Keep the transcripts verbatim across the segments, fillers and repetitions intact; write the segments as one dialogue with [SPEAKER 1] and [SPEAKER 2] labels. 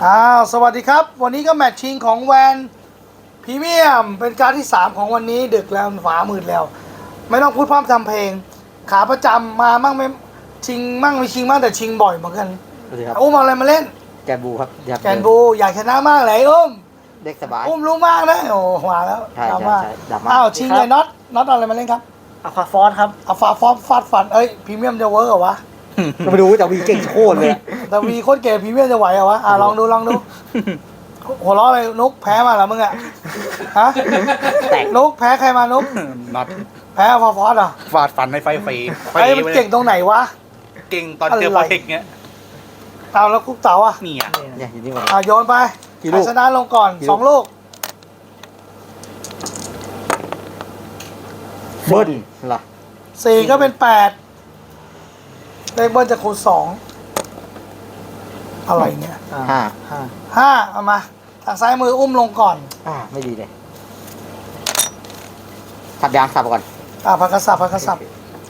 [SPEAKER 1] อ้าวสวัสดีครับวันนี้ก็แมตช์ชิงของแวนพรีเมียมเป็นการที่สามของวันนี้ดึกแล้วฝามืดแล้วไม่ต้องพูดพร่ำทำเพลงขาประจำมามั่งไม่ชิงมั่งไม่ชิงมั่งแต่ชิงบ่อยเหมือนกันอุ้มเอาอะไรมาเล่น
[SPEAKER 2] แกนบูครับ
[SPEAKER 1] แกนบูอยากชนะมากเลยอุ้ม
[SPEAKER 2] เด็กสบาย
[SPEAKER 1] อุ้มรู้มากนะโอ้มาแล้วดราม่าอ้าวชิงเลยน็อตน็อตเอาอะไรมาเล่นครับ
[SPEAKER 3] อะควาฟอสครับ
[SPEAKER 1] อะฟาฟอสฟาดฟันเอ้ยพรีเมียมจะเวิร์กเหรอวะ
[SPEAKER 2] มาดูแต่วีเก่งโคตรเลย
[SPEAKER 1] แต่วีโคตรเก่งพรีเมียมจะไหวเหรอวะอ่ะลองดูลองดูหัวเราะอะไรนุกแพ้มาเหรอมึงอะฮะแตกนุกแพ้ใครมานุก
[SPEAKER 4] น็อต
[SPEAKER 1] แพ้ฟอร์ฟอสเหรอ
[SPEAKER 4] ฟาดฟันในไฟฟรี
[SPEAKER 1] ไอ้มันเก่งตรงไหนวะ
[SPEAKER 4] เก่งตอนเจอโปรเทคเงี้ย
[SPEAKER 1] เอาแล้วคุกเต๋าอ่ะ
[SPEAKER 4] นี่อ่ะ
[SPEAKER 2] เนี่ยอยู่นี่หมด
[SPEAKER 1] อ่ะโยนไปใครชนะลงก่อนสองลูก
[SPEAKER 2] เบิ้ลเหรอ
[SPEAKER 1] สี่ก็เป็นแปดเลขเบิ้ลจะคูณสองอะไรเนี่ย
[SPEAKER 2] ห้า
[SPEAKER 1] ห้าห้าเอามาทางซ้ายมืออุ้มลงก่อน
[SPEAKER 2] อ่าไม่ดีเลยสับยางสับก่อน
[SPEAKER 1] อ่าพักกระสับพักกระสับ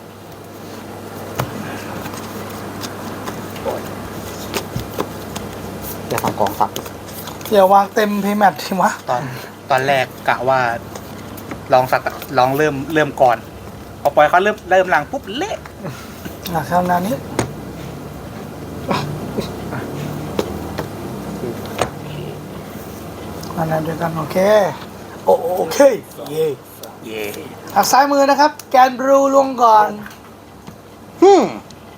[SPEAKER 2] เดี๋ยวทำกองสับ
[SPEAKER 1] เดี๋ยววางเต็มเพย์แมททีวะ
[SPEAKER 4] ตอนตอนแรกกะว่าลองสักลองเริ่มเริ่มก่อนพอปล่อยเขาเริ่มเริ่มหลังปุ๊บเละ
[SPEAKER 1] อ่ะคราวนี้อันนั้นด้วยกันโอเคโอโอเคเย่
[SPEAKER 4] เย่
[SPEAKER 1] ทางซ้ายมือนะครับแกนบรูลงก่อน
[SPEAKER 2] ฮึม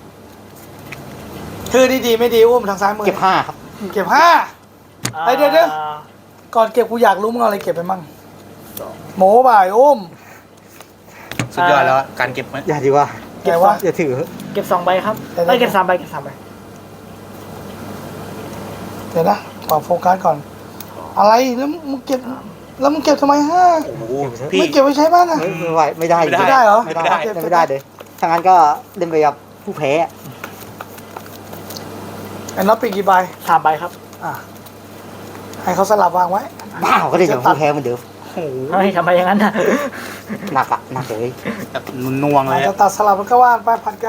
[SPEAKER 1] คือดีๆไม่ดีอุ้มทางซ้ายมือ
[SPEAKER 2] เก็บห้าครับ
[SPEAKER 1] เก็บห้าไอเดี๋ยวเดี๋ยวก่อนเก็บกูอยากรู้มึงเอาอะไรเก็บไปมั่งโหมบ่ายอุ้ม
[SPEAKER 4] สุดยอดแล้วการเก็บ
[SPEAKER 2] อย่าดีว่า
[SPEAKER 1] เก็บว่า
[SPEAKER 2] อย่าถือ
[SPEAKER 3] เก็บสองใบครับไม่เก็บสามใบเก็บสามใบ
[SPEAKER 1] เดี๋ยวนะขอโฟกัสก่อนอะไรแล้วมึงเก็บแล้วมึงเก็บทำไมห้าไม่เก็บไว้ใช้บ้างอะ
[SPEAKER 2] ไม่ไหวไม่ได้
[SPEAKER 1] ไม่ได้เหรอ
[SPEAKER 2] ไม่ได้ไม่ได้เลยถ้างั้นก็เล่นไปกับผู้แพ้
[SPEAKER 1] ไอ้น็อตปีกี่ใบ
[SPEAKER 3] สามใบครับ
[SPEAKER 1] อ่ะให้เขาสลับวางไว้
[SPEAKER 2] บ้าเขาเล่นกับผู้แพ้เหมือนเดิม
[SPEAKER 3] เฮ้ยทำไมอย่างนั้นน่ะ
[SPEAKER 2] หนักอะหนักเลย
[SPEAKER 4] แบบน่วงเลย
[SPEAKER 1] จะตัดสลับมันก็ว่านไปผัดกัน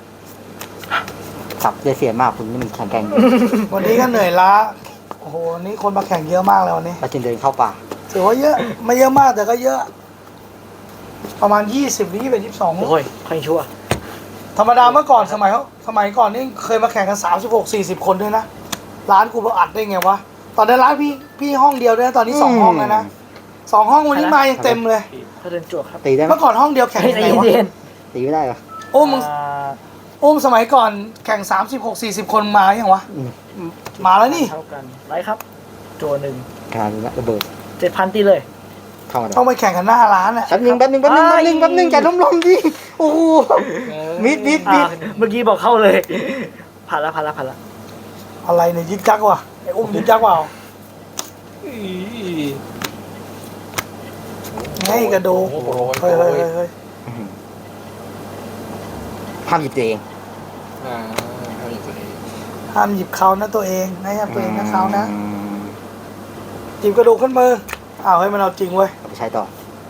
[SPEAKER 2] สับเสียมากคุณนี่มันแข็งแกร่ง
[SPEAKER 1] วันนี้ก็เหนื่อยล้าโอ้โหนี่คนมาแข่งเยอะมากเลยวันนี้
[SPEAKER 2] เราจึงเดินเข้าป่า
[SPEAKER 1] ถือว่าเยอะไม่เยอะมากแต่ก็เยอะประมาณยี่สิบวิเป็นยี่สิบสอง
[SPEAKER 3] โอ้ยใครชั่ว
[SPEAKER 1] ธรรมดาเมื่อก่อนสมัยเขาสมัยก่อนนี่เคยมาแข่งกันสามสิบหกสี่สิบคนด้วยนะร้านกูมาอัดได้ไงวะตอนนั้นร้านพี่พี่ห้องเดียวด้วยนะตอนนี้สองห้องแล้วนะสองห้องวันนี้มายังเต็มเลย
[SPEAKER 3] เขาเดินจวกครับ
[SPEAKER 2] ตีได้
[SPEAKER 1] เมื่อก่อนห้องเดียวแข่งยังไงวะ
[SPEAKER 2] ตีไม่ได้เหรอ
[SPEAKER 1] โอ้มึงโอ้มสมัยก่อนแข่งสามสิบหกสี่สิบคนมาอย่างวะมาแล้วนี่
[SPEAKER 3] เท่ากันไรครับโจหนึ่ง
[SPEAKER 2] การระเบิด
[SPEAKER 3] เจ็ดพันตีเลย
[SPEAKER 1] ต้องไปแข่งกันหน้าร้านอ่ะ
[SPEAKER 2] แป๊บนึงแป๊บนึงแป๊บนึงแป๊บนึงแป๊บนึงใจล้มลมดิโอ้โหมิดมิดมิด
[SPEAKER 3] เมื่อกี้บอกเข้าเลยผ่านละผ่านละผ่านละ
[SPEAKER 1] อะไรเนี่ยยึกจักวะไอ้อุ้มยึกจักว่ะไงกระดูเฮ้ยเฮ้ยเฮ้ย
[SPEAKER 2] ห้ามหยิบตัวเอง
[SPEAKER 1] ห้ามหยิบเขานะตัวเองไม่ห้ามตัวเองนะเขานะหยิบกระดูกขึ้นมืออ้าวให้มันเอาจริงเว้ย
[SPEAKER 2] เอาไปใช้ต่อ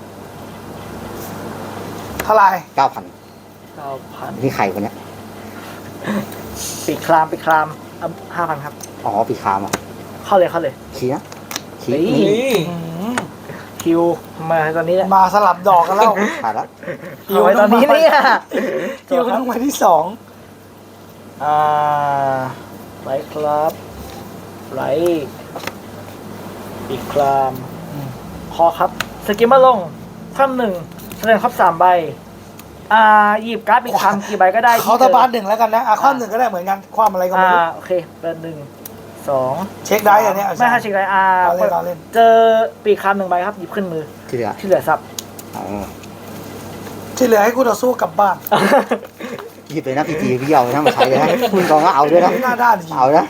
[SPEAKER 1] เท่าไหร่
[SPEAKER 2] เก้าพัน
[SPEAKER 3] เก้าพัน
[SPEAKER 2] นี่ใครคนเนี้ย
[SPEAKER 3] ปีคลามปีคลามห้าพันครับ
[SPEAKER 2] อ๋อปีคามอ่ะ
[SPEAKER 3] เข้าเลยเข้าเลย
[SPEAKER 2] ชี้นะชี้
[SPEAKER 3] คิวมาตอนนี้แหละ
[SPEAKER 1] มาสลับดอกกันแล้ว
[SPEAKER 2] ผ่านแล้ว
[SPEAKER 1] คิว
[SPEAKER 3] ตอนนี้เนี่ย
[SPEAKER 1] คิวต้องมาที่สอง
[SPEAKER 3] อ่าไรครับไรอีกครามพอครับสกิมมาลงคว่ำหนึ่งแสดงครบสามใบอ่าหยิบการ์ดอีกคำกี่ใบก็ได้
[SPEAKER 1] เขาตะบานหนึ่งแล้วกันนะอ่ะคว่ำหนึ่งก็ได้เหมือนกันคว่ำอะไรก็ไม่รู้
[SPEAKER 3] อ่าโอเคเป็นหนึ่งสอง
[SPEAKER 1] เช็คได้อันนี้
[SPEAKER 3] ไม่ค่ะเช็คได้อ่าเจอปีกคำหนึ่งใบครับหยิบขึ้นมือ
[SPEAKER 2] ที่เหลือ
[SPEAKER 3] ที่เหลือซับ
[SPEAKER 1] ที่เหลือให้กูต่อสู้กลับบ้าน
[SPEAKER 2] หยิบเลยนะพี่จีพี่เอานะมาใช้เลยนะคุณกองก็เอาด้วยนะ
[SPEAKER 1] หน้าด้าน
[SPEAKER 2] เอานะ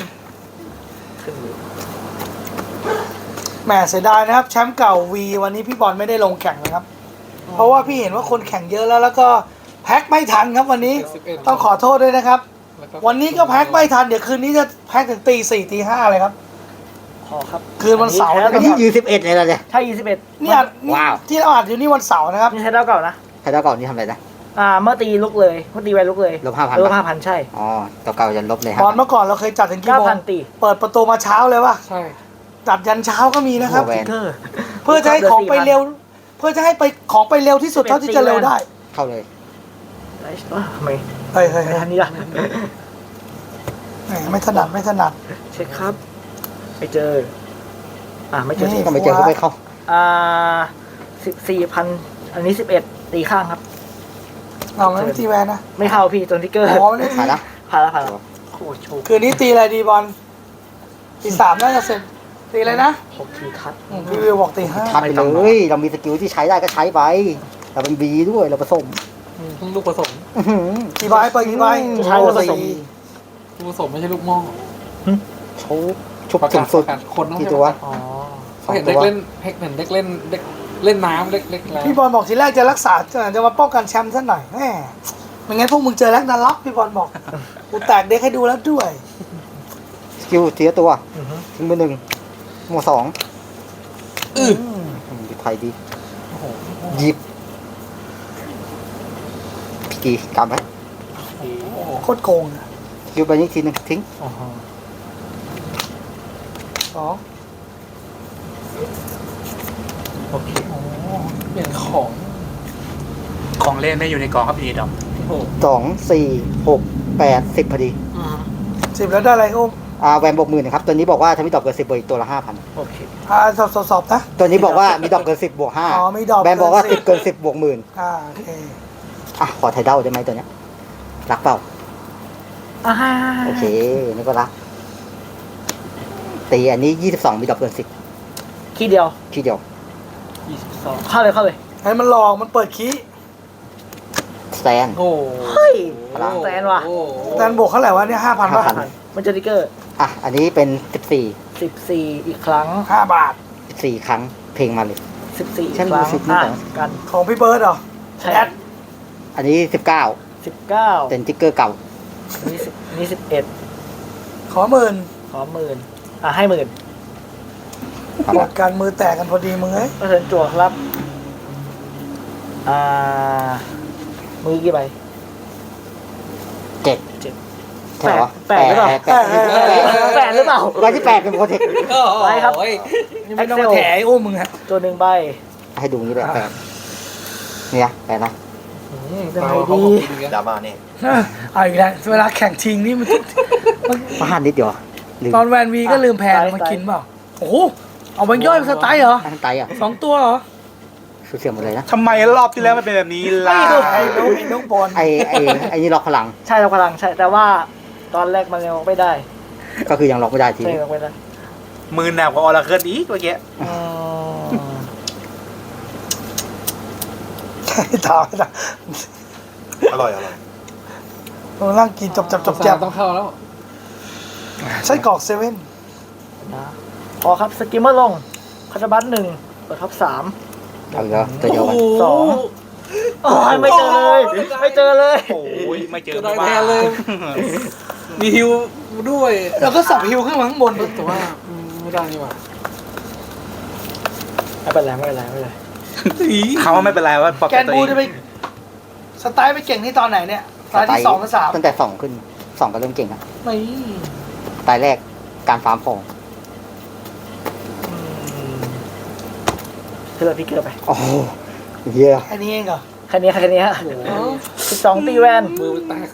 [SPEAKER 1] แหมเสียดายนะครับแชมป์เก่าวีวันนี้พี่บอลไม่ได้ลงแข่งนะครับเพราะว่าพี่เห็นว่าคนแข่งเยอะแล้วแล้วก็แพ็คไม่ทันครับวันนี้ต้องขอโทษด้วยนะครับวันนี้ก็แพ็คไม่ทันเดี๋ยวคืนนี้จะแพ็คถึงตีสี่ตีห้าเลยครับ
[SPEAKER 3] พอครับ
[SPEAKER 1] คืนวันเสาร์
[SPEAKER 2] นะครับนี่ยี่สิบเอ็ดเลยเหรอเนี่ย
[SPEAKER 3] ใช่ยี่สิบเอ็ด
[SPEAKER 1] นี่อัดที่เราอัดอยู่นี่วันเสาร์นะครับ
[SPEAKER 3] นี่ใช้ดาวเก่านะ
[SPEAKER 2] ใช้ดาวเก่านี่ทำอะไรนะ
[SPEAKER 3] อ่าเมื่อตีลุกเลยเมื่อตีแวนลุกเลย
[SPEAKER 2] ลบห้าพัน
[SPEAKER 3] ลบห้าพันใช่
[SPEAKER 2] อ๋อตัวเก่าจะลบเลย
[SPEAKER 1] ต
[SPEAKER 2] ฮะ
[SPEAKER 1] อนเมื่อก่อนเราเคยจัดถึงกี่
[SPEAKER 3] เก้า
[SPEAKER 1] โม
[SPEAKER 3] พั
[SPEAKER 1] ง
[SPEAKER 3] นตี
[SPEAKER 1] เปิดประตูมาเช้าเลยว่ะ
[SPEAKER 3] ใช่
[SPEAKER 1] จัดยันเช้าก็มีนะครับ
[SPEAKER 2] แวน
[SPEAKER 3] เกอร์
[SPEAKER 1] เพื่อจะให้ของไปเร็ว เพื่อจะให้ไปของไปเร็วที่สุดเท่าที่จะเร็วได้
[SPEAKER 2] เข้าเลย
[SPEAKER 3] ไอ้เอ้อทำไม
[SPEAKER 1] เฮ้ยเฮ้ย
[SPEAKER 3] ไม่
[SPEAKER 1] เฮ้ย
[SPEAKER 3] ทันนี้ล่ะ
[SPEAKER 1] แหมไม่ถนัดไม่ถนัด
[SPEAKER 3] เช็คครับไปเจอ อ่าไม่เจอ
[SPEAKER 1] นี่
[SPEAKER 2] ก็ไม่เจอก็ไม่เข้า
[SPEAKER 3] อ่าสิบสี่พันอันนี้สิบเอ็ดตีข้างครับ
[SPEAKER 1] เอางั้นตีแวนนะ
[SPEAKER 3] ไม่เข้าพี่ตัวทิกเกอร์
[SPEAKER 1] อ๋อไม่ได้ตี
[SPEAKER 2] ผ่านละ
[SPEAKER 3] ผ่านแล้วผ่านแล้วโคตรโชค
[SPEAKER 1] คืนนี้ตีอะไรดีบอลตีสามน่าจะเสร็จตีอะไรนะ
[SPEAKER 3] หกทีทัด
[SPEAKER 1] อืมพี่วิวบอกตีห้า
[SPEAKER 2] ทับไปเลยเรามีสกิลที่ใช้ได้ก็ใช้ไปเราเป็นบีด้วยเราผสม
[SPEAKER 5] ลูกผสม
[SPEAKER 2] อื้อหือ
[SPEAKER 1] กี่ใบเปิดกี่ใบ
[SPEAKER 3] ใช้ผสม
[SPEAKER 1] สี่
[SPEAKER 5] ลูกผสมไม่ใช่ลูกหม้อ
[SPEAKER 2] ชุบชุบ
[SPEAKER 5] ประ
[SPEAKER 2] สู
[SPEAKER 5] กาศ
[SPEAKER 2] งสุด
[SPEAKER 5] ประกาศคนต้อง
[SPEAKER 2] กี่
[SPEAKER 5] ให้
[SPEAKER 2] ตัว
[SPEAKER 5] ประกาศ
[SPEAKER 3] อ๋อ
[SPEAKER 5] เขาเห็นเด็กเล่นเห็นเด็กเล่นเด็กเล่นน้ำเล็กเล็กแล้ว
[SPEAKER 1] พี่บอลบอกทีแรกจะรักษาจะมาป้องกันแชมป์ซะหน่อยแหมไม่งั้นพวกมึงเจอแล็กนาล็อกพี่บอลบอกกูแตกเด็กให้ดูแล้วด้วย
[SPEAKER 2] สกิลทีละตัว
[SPEAKER 3] อือฮึ
[SPEAKER 2] ทิ้งมือหนึ่งหมวดสอง
[SPEAKER 5] อือ
[SPEAKER 2] อืมดีไทยดีหยิบพี่กีกำไว้
[SPEAKER 1] โคตรโกงอะ
[SPEAKER 2] สกิลไปนี้ทีหนึ่งทิ้ง
[SPEAKER 3] อ๋อ
[SPEAKER 1] สอง
[SPEAKER 3] โอเค
[SPEAKER 5] เปลี่ยนของ
[SPEAKER 4] ของเล่นไม่อยู่ในกล่องครับพี่ดอก
[SPEAKER 5] โอ้
[SPEAKER 2] สองสี่หกแปดสิบพอดี
[SPEAKER 3] อืม
[SPEAKER 1] สิบแล้วได้อะไรอุ้ม
[SPEAKER 2] อ่าแวนบวกหมื่นนะครับตัวนี้บอกว่าถ้ามีดอกเกินสิบบวกอีกตัวละห้าพัน
[SPEAKER 3] โอเค
[SPEAKER 1] อ่าสอบสอบสอบนะ
[SPEAKER 2] ตัวนี้บอกว่ามีดอกเกินสิบบวกห้า
[SPEAKER 1] อ๋อมีดอก
[SPEAKER 2] แวนบอกว่า
[SPEAKER 1] เกิ
[SPEAKER 2] สิ
[SPEAKER 1] น
[SPEAKER 2] บ
[SPEAKER 1] 10
[SPEAKER 2] เกินสิบบวกหมื่น
[SPEAKER 1] อ่าโอเค
[SPEAKER 2] อ่ะขอไทยเด้าได้ไหมตัวเนี้ยรักเปล่า
[SPEAKER 3] อ่า
[SPEAKER 2] โอเคนี่ก็รักตีอันนี้ยี่สิบสองมีดอกเกินสิบ
[SPEAKER 3] ขี้เดียว
[SPEAKER 2] ทีเดียว
[SPEAKER 3] ยี่สิบสองเข้าเลยเข้าเลย
[SPEAKER 1] ให้มันหลอกมันเปิดคีย์
[SPEAKER 2] สแตน
[SPEAKER 5] โห
[SPEAKER 3] เฮ้ย
[SPEAKER 2] พลัง
[SPEAKER 3] แสนว่ะ
[SPEAKER 5] โอ้
[SPEAKER 1] แตนบวกเท่าไหร่วะเนี่ยห้าพัน
[SPEAKER 2] ห้า
[SPEAKER 1] ป่ะ
[SPEAKER 2] พัน
[SPEAKER 3] มันจะทิกเกอร์
[SPEAKER 2] อ่ะอันนี้เป็นสิบสี่
[SPEAKER 3] สิบสี่อีกครั้ง
[SPEAKER 1] ห้าบาท
[SPEAKER 2] สิบสี่ครั้งเพลงมาเลย
[SPEAKER 3] สิบสี่
[SPEAKER 2] ฉัน
[SPEAKER 3] ครั้ง
[SPEAKER 2] รู้สึกไม่
[SPEAKER 3] อ่ะ
[SPEAKER 2] ต่าง
[SPEAKER 3] กัน
[SPEAKER 1] ของพี่เบิร์ดเหรอ
[SPEAKER 3] ใช่
[SPEAKER 1] แอด
[SPEAKER 2] อันนี้สิบเก้า
[SPEAKER 3] สิบเก้า
[SPEAKER 2] เป็นติ๊กเกอร์เก่า
[SPEAKER 3] นี่สิบนี่สิบเอ็ด
[SPEAKER 1] ขอหมื่น
[SPEAKER 3] ขอหมื่นอ่ะให้หมื่น
[SPEAKER 2] ครับ
[SPEAKER 1] หมดการมือแตกกันพอดีมึงเอ้ย
[SPEAKER 3] เปอร์เซ็นต์จั่วครับ อ่า มือกี่ใบ
[SPEAKER 2] เจ็ด
[SPEAKER 3] เจ็ด
[SPEAKER 2] ใช่เหรอ
[SPEAKER 3] แปดหรือเปล่า
[SPEAKER 2] แปดแปดแปด
[SPEAKER 3] แปดหรือเปล่า
[SPEAKER 2] ใบที่แปดเป็นโปรเทค
[SPEAKER 3] ไว้ครับ
[SPEAKER 5] โอ้ย
[SPEAKER 1] นี่ไม่ต้องมาแถไอ้อุ้มมึงฮะ
[SPEAKER 3] ตัวหนึ่งใบ
[SPEAKER 2] ให้ดูนี้เลยแปดเนี่ยแปดนะ
[SPEAKER 3] อืมเป็น
[SPEAKER 5] เอา
[SPEAKER 3] ไง
[SPEAKER 5] เขา
[SPEAKER 3] ดี
[SPEAKER 5] บอกดี
[SPEAKER 4] ดราม่านี่
[SPEAKER 1] เอาอีกแล้วเวลาแข่งชิงนี่มันมัน
[SPEAKER 2] พลาดนิดเดียวลืม
[SPEAKER 1] ตอนแวนวีก็ลืมแพนมากินเปล่าโอ้โหเอาแบงค์ย่อยมาสไตล์เหรอ
[SPEAKER 2] ตั้งใจอ่ะ
[SPEAKER 1] สองตัวเหรอ
[SPEAKER 2] สูญเสียหมดเลยนะ
[SPEAKER 4] ทำไมรอบที่แล้วมันเป็นแบบนี้ล่ะ
[SPEAKER 1] ไอ้ลูกไอ้ลูกบอล
[SPEAKER 2] ไอไอไอนี่ล็อกพลัง
[SPEAKER 3] ใช่เราพลังใช่ แต่ว่าตอนแรกมันยังไม่ได้
[SPEAKER 2] ก็คือยังล็อกไม่ได้ที
[SPEAKER 3] ใช่
[SPEAKER 2] นี้
[SPEAKER 3] ยังไม่ได้
[SPEAKER 4] มือหนักกว่าออร์เคิลอีกเมื่อกี้
[SPEAKER 3] อืม
[SPEAKER 1] ใช่ต่อนะ
[SPEAKER 4] อร่อยอร่อย
[SPEAKER 1] เรานั่งกินจับจับจับจับ
[SPEAKER 5] ต้องเข้าแล้ว
[SPEAKER 1] ไส้กรอกเซเว่น
[SPEAKER 3] นะพอครับสกิมเมอร์ลงคาร์บัตหนึ่งเปิดท็อปสาม
[SPEAKER 2] เอาอีกแล้วตัวเดียวกัน
[SPEAKER 3] สองโอ้ยไม่เจอเลย ไม่เจอเลย
[SPEAKER 4] โอ้ยไม่เจอ
[SPEAKER 5] จะได้
[SPEAKER 4] บ้า
[SPEAKER 5] แทนเลย มีฮิวด้วย
[SPEAKER 1] แล้วก็สับฮิวขึ้นมาข้างบน
[SPEAKER 5] แต่ว่าอืมไม่ได้นี่หว่า
[SPEAKER 3] ไม่เป็นไรไม่เป็นไรไม่เป็นไร
[SPEAKER 4] เขาว่าไม่เป็นไรว่าปลอบ
[SPEAKER 1] แก
[SPEAKER 4] ใจ
[SPEAKER 1] น
[SPEAKER 4] ตัว
[SPEAKER 1] บู
[SPEAKER 4] เอง
[SPEAKER 1] จะไปสไตล์ไปเก่งที่ตอนไหนเนี่ยสไตล์ที่สองหรือสาม
[SPEAKER 2] ตั้งแต่สองขึ้นสองก็เริ่มเก่งอ่ะ
[SPEAKER 1] ไม่
[SPEAKER 2] สไตล์แรกการฟาร์มของ
[SPEAKER 3] คือเราพิกเกอร์ไป
[SPEAKER 2] โอ้โหเยี่ย
[SPEAKER 1] แค่นี้เองเหรอ
[SPEAKER 3] แค่นี้แค่นี้ฮะสิบสองตีแวน
[SPEAKER 5] มือมันแตก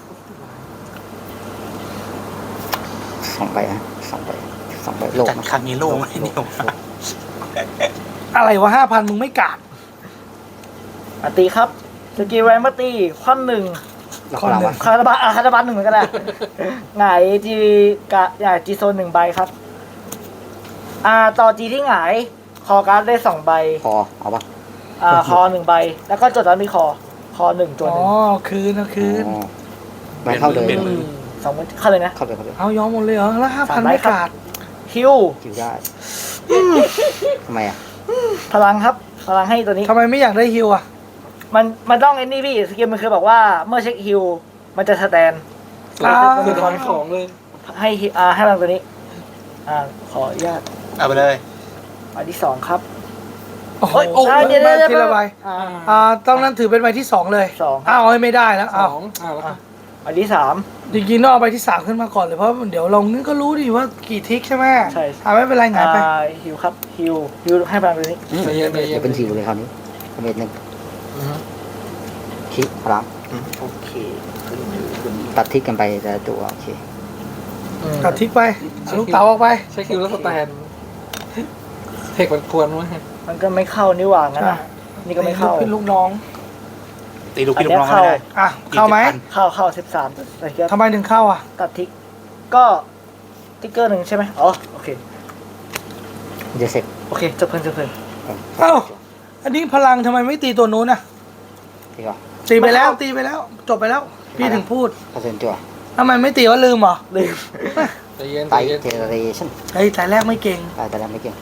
[SPEAKER 2] สองใบนะสองใบสองใบโลก
[SPEAKER 4] จัด
[SPEAKER 2] นะ
[SPEAKER 4] ครั้งนี้โล่งไหมเนี่ย
[SPEAKER 1] อะไรวะห้าพันมึงไม่กาด
[SPEAKER 3] อ่ะตีครับสกิลแวนมาตีคว่ำหนึ่ง
[SPEAKER 2] ล็อกพลังวะ
[SPEAKER 3] คาร์บัตอ่ะคาร์บัตหนึ่งเหมือนกันแหละหงายจีกะหงายจีโซนหนึ่งใบครับ อ่าต่อจีที่หงายคอการ์ดได้สองใบ
[SPEAKER 2] พอเอาปะ
[SPEAKER 3] อ่าคอหนึ่งใบ แล้วก็จดแล้วมีคอ คอหนึ่งจด
[SPEAKER 1] อ๋
[SPEAKER 3] ห
[SPEAKER 1] อ
[SPEAKER 3] นึ่ง
[SPEAKER 1] คืนนะคืน
[SPEAKER 2] อ๋อไม่เข้าเลย
[SPEAKER 3] อืมสองใบเข้าเลยนะ
[SPEAKER 2] เข้าเลยเข้าเลย
[SPEAKER 1] เอายอมหมดเลยเหรอแล้วห้าพัน
[SPEAKER 3] สามใบ
[SPEAKER 1] ไม่
[SPEAKER 3] ครับ
[SPEAKER 1] กาด
[SPEAKER 3] คิว
[SPEAKER 2] คิวได้ทำไมอ่ะ
[SPEAKER 3] พลังครับ พลังให้ตัวนี้
[SPEAKER 1] ทำไมไม่อยากได้ฮิวอ่ะ
[SPEAKER 3] มันมันต้องไอ้นี่พี่สกิลมันคือบอกว่าเมื่อเช็คฮิลมันจะสแตน
[SPEAKER 1] อ่า
[SPEAKER 5] สุดท้ายของเลย
[SPEAKER 3] ให้ฮิอ่าให้พลังตัวนี้ อ่าขออนุญาต
[SPEAKER 4] เอาไปเลย
[SPEAKER 3] อันที่สองครับ
[SPEAKER 1] โอ้โห
[SPEAKER 3] เฮ้ยอ่าเดี๋ยวเดี๋ยวเดี๋ยว
[SPEAKER 1] ทีละใบ
[SPEAKER 3] อ่า
[SPEAKER 1] อ่าต้องนั้นถือเป็นใบที่สองเลย
[SPEAKER 3] สอง
[SPEAKER 1] อ้าวเอาให้ไม่ได้แล้ว
[SPEAKER 5] ส
[SPEAKER 1] อ้าว
[SPEAKER 5] องอ่าแล้วก็
[SPEAKER 3] อันที่สาม
[SPEAKER 1] จริงๆต้องเอาใบที่สามขึ้นมาก่อนเลยเพราะเดี๋ยวลงนี่ก็รู้ดิว่ากี่ทิกใช่ไหม
[SPEAKER 3] ใช่
[SPEAKER 1] อ่าไม่เป็นไรหงายไป
[SPEAKER 3] อ่าฮิวครับฮิวฮิวให้พลังตัวนี้
[SPEAKER 2] อืม
[SPEAKER 5] ใจเย็นใจเย็
[SPEAKER 2] เดี๋ย
[SPEAKER 5] น
[SPEAKER 2] วเป็นสิวเลยคราวนี้เมตรหนึ่ง
[SPEAKER 5] อือฮึ
[SPEAKER 2] คิดพลัง
[SPEAKER 3] โอเค
[SPEAKER 2] ตัดทิกกันไปแต่ละตัวโอเค
[SPEAKER 5] อืม
[SPEAKER 1] ตัดทิกไปเอาลูกเต๋าออกไป
[SPEAKER 5] ใช้คิวแล้วสแตนเทคมันควรไหม
[SPEAKER 3] มันก็ไม่เข้านี่หว่างั้นนะนี่ก็ไม่เข้า
[SPEAKER 1] เป็นลูกน้อง
[SPEAKER 4] ตีลูก
[SPEAKER 3] อัน
[SPEAKER 4] พี่ลู
[SPEAKER 3] เนี้
[SPEAKER 4] ก
[SPEAKER 3] ย
[SPEAKER 4] น้องไม่ได้
[SPEAKER 1] อ่ะเข้าไหม
[SPEAKER 3] เข้าเข้าสิบสามแต่ก็
[SPEAKER 1] ทำไมถึงเข้าอ่ะ
[SPEAKER 3] ตัดทิก ก็ติ๊กเกอร์หนึ่งใช่ไหมอ๋อโอเค
[SPEAKER 2] มันจะเสร็จ
[SPEAKER 3] โอเคจบเพลินจบเพลิน
[SPEAKER 1] เอ้าอันนี้พลังทำไมไม่ตีตัวนู้นอ่ะ
[SPEAKER 2] ดีกว่า
[SPEAKER 1] ตีไปแล้วตีไปแล้ว จบไปแล้ว พี่ถึงพูด
[SPEAKER 2] เปอร์เซ็นต์จั่ว
[SPEAKER 1] ทำไมไม่ตีว่าลืมเหรอ
[SPEAKER 3] ลืม
[SPEAKER 5] ใจเย็น
[SPEAKER 2] ไต
[SPEAKER 5] ใจเย็น
[SPEAKER 2] เจเนเรชั่น
[SPEAKER 1] ไอ้ยแต่แรกไม่เก่ง
[SPEAKER 2] ตายแต่แล้วไม่เก่ง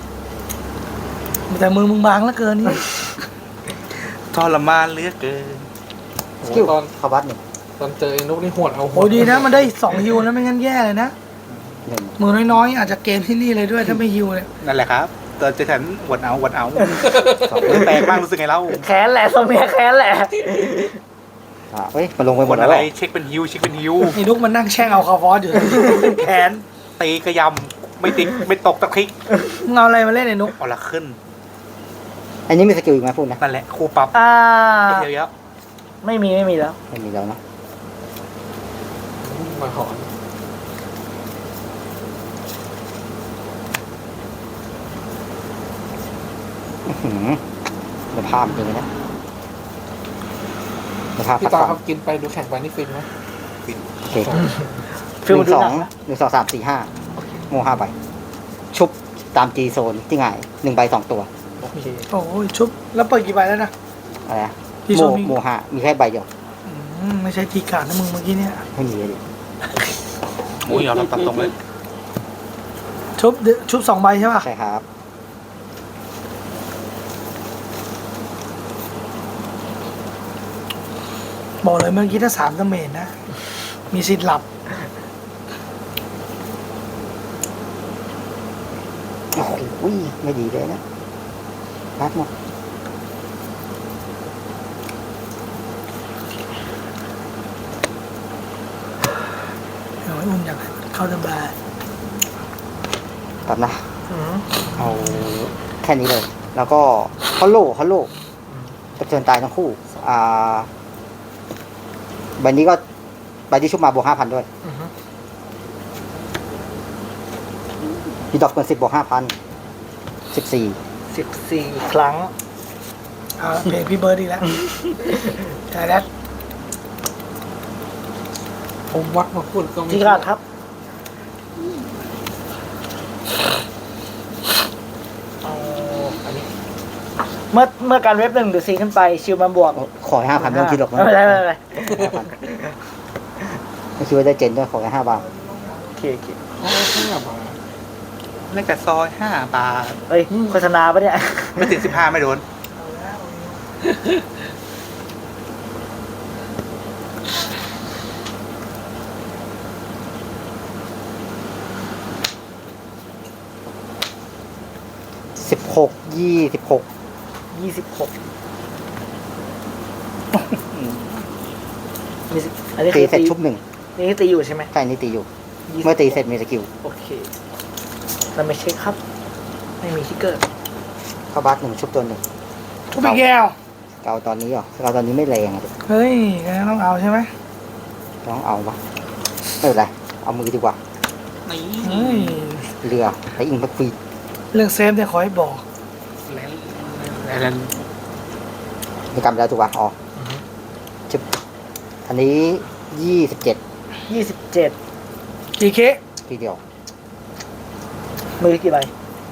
[SPEAKER 1] แต่มือมึงบางเหลือเกินนี่
[SPEAKER 4] ทรมานเหลือเกิน
[SPEAKER 2] สกิล
[SPEAKER 5] ตอน
[SPEAKER 2] เข้าบัตหนึ่ง
[SPEAKER 5] ตอนเจอไอ้นุกนี่หวดเอาหว
[SPEAKER 1] โอ้ดีนะมันได้สองฮิวนะไม่งั้นแย่เลยนะ
[SPEAKER 2] หนึ่ง
[SPEAKER 1] มือน้อยๆอาจจะเกมที่นี่เลยด้วยถ้าไม่ฮิวเลย
[SPEAKER 4] นั่นแหละครับตอนเจอฉันหวนเอาหวนเอา
[SPEAKER 2] สอง
[SPEAKER 4] แปลกมากรู้สึกไงเล่า
[SPEAKER 3] แค้นแหละทรงเนี้ยแค้นแหละ
[SPEAKER 2] อ่ะเฮ้ยมันลงไปห
[SPEAKER 4] ห
[SPEAKER 2] ม
[SPEAKER 4] ว
[SPEAKER 2] ด
[SPEAKER 4] น
[SPEAKER 2] แล้
[SPEAKER 4] อะ
[SPEAKER 2] ว
[SPEAKER 4] ไร
[SPEAKER 2] เหรอ
[SPEAKER 4] เช็คเป็นฮิวเช็คเป็นฮิว
[SPEAKER 1] ไอ้นุกมันนั่งแช่งเอาคาร์ฟอสอยู่ แขน
[SPEAKER 4] ตีกระยำไม่ติดไม่ตกตะคริก
[SPEAKER 1] มึงเอาอะไรมาเล่นไอ้นุก
[SPEAKER 4] เอาละขึ้น
[SPEAKER 2] อันนี้มีสกิลอีกไหมพูดนะ
[SPEAKER 4] นั่นแหละครูปรับ
[SPEAKER 3] อ่า
[SPEAKER 4] เยอะ
[SPEAKER 3] ไม่มีไม่มีแล้ว
[SPEAKER 2] ไม่มีแล้วนะ
[SPEAKER 5] มาหอน
[SPEAKER 2] อื้อหือมันภาพจริงๆนะมันภาพ
[SPEAKER 5] พี่
[SPEAKER 2] ตัด
[SPEAKER 5] ตา
[SPEAKER 2] ฟั
[SPEAKER 5] ครับกินไปดูแข่งไปนี่ฟินไหม
[SPEAKER 2] โอเค
[SPEAKER 3] ฟิล
[SPEAKER 2] ห
[SPEAKER 3] มัน
[SPEAKER 2] นึ่ง
[SPEAKER 3] ดู
[SPEAKER 2] สอ
[SPEAKER 3] หนั
[SPEAKER 2] ง
[SPEAKER 3] กนะ
[SPEAKER 2] หนึ่งสองสามสี่ห้าโมห้าใบชุบตามจีโซนที่ง่ายหนึ่งใบสองตัว
[SPEAKER 5] โอเค
[SPEAKER 1] โอ้ยชุบแล้วเปิดกี่ใบแล้วนะ
[SPEAKER 2] อะไรนะ
[SPEAKER 1] ที่
[SPEAKER 2] โม
[SPEAKER 1] โซนมี
[SPEAKER 2] โมห้ามีแค่ใบเดียว
[SPEAKER 1] อืมไม่ใช่ทีการดนะมึงเมื่อกี้เนี่ย
[SPEAKER 2] ไม่มีเลยดิ
[SPEAKER 4] ๆโอ้ยเอาเราตัดตรงเลย
[SPEAKER 1] ชุบชุบสองใบใช่ป่ะ
[SPEAKER 2] ใช่ครับ
[SPEAKER 1] บอกเลยเมื่อกี้ถ้าสามดาเมจนะ มีสิทธิ์หลับ
[SPEAKER 2] โอ้โหไม่ดีเลยนะรัดหมด
[SPEAKER 1] เอาไว้อุ่นอยากให้เข้าสบาย
[SPEAKER 2] ตัดนะ
[SPEAKER 3] อืม
[SPEAKER 2] เอาแค่นี้เลย แล้วก็ฮอลโลฮอลโลกระเทือนตายทั้งคู่ อ่าใบนี้ก็ใบที่ชุบมาบวกห้าพันด้วย
[SPEAKER 5] อือฮึ
[SPEAKER 2] พีดอกเกินสิบบวกห้าพันสิบสี่
[SPEAKER 3] สิบสี่ครั้ง
[SPEAKER 1] เอาละเพลงพี่เบิร์ดอีกแล้วใช่แล้ว
[SPEAKER 5] ผมวัดมาพูดก็ไม่
[SPEAKER 3] ที่การครับเอาอันนี้เมื่อเมื่อการเว็บหนึ่งหรือสี่ขึ้นไปชิวมันบวก
[SPEAKER 2] ขอห้าพันไม่ต้องคิดหรอก
[SPEAKER 3] ไม่เป็นไรไม่เป็นไร
[SPEAKER 2] ไม่คิดว่าได้เจนด้วยขอแค่ห้าบาท
[SPEAKER 3] โอเคโอเค
[SPEAKER 5] อ๋อห้าบาท
[SPEAKER 4] เล็กแต่ซอยห้าบาท
[SPEAKER 3] เฮ้ยโฆษณาปะเนี่ย
[SPEAKER 4] ไม่ติดสิบห้าไม่โดน
[SPEAKER 2] สิบหกยี่สิบหก
[SPEAKER 3] ยี่สิบหกมีสิอันนี้
[SPEAKER 2] ตี
[SPEAKER 3] คือ
[SPEAKER 2] เสร็จ
[SPEAKER 3] ตี
[SPEAKER 2] ชุบหนึ่ง
[SPEAKER 3] นี่ตีอยู่ใช่ไหม
[SPEAKER 2] ใช่นี่ตีอยู่
[SPEAKER 3] ยี่สิบ
[SPEAKER 2] เมื่อตีเสร็จมีสกิล
[SPEAKER 3] โอเคเราไม่เช็คครับ ไม่มีทิกเกอร์
[SPEAKER 2] เข้าบัสหนึ่งชุบตัวหนึ่ง
[SPEAKER 1] ชุบไปแก้ว
[SPEAKER 2] เกาตอนนี้เหรอเกาตอนนี้ไม่แรงอ่ะ
[SPEAKER 1] เฮ้ยงั้นต้องเอาใช่ไหม
[SPEAKER 2] ต้องเอาปะไม่เป็นไรเอามือดีกว่า
[SPEAKER 4] นี่
[SPEAKER 1] เฮ้ย
[SPEAKER 2] เรือไปอิงไปฟี
[SPEAKER 1] เรื่องเซฟเนี่ยขอให้บอก
[SPEAKER 4] แล้วแล้ว
[SPEAKER 2] มีกรรมแล้วถูกป่ะอ๋อชุบอันนี้ยี่สิบเจ็ด
[SPEAKER 3] ยี่สิบเจ็ด
[SPEAKER 1] จีเค
[SPEAKER 2] ทีเดียว
[SPEAKER 3] มือกี่ใบ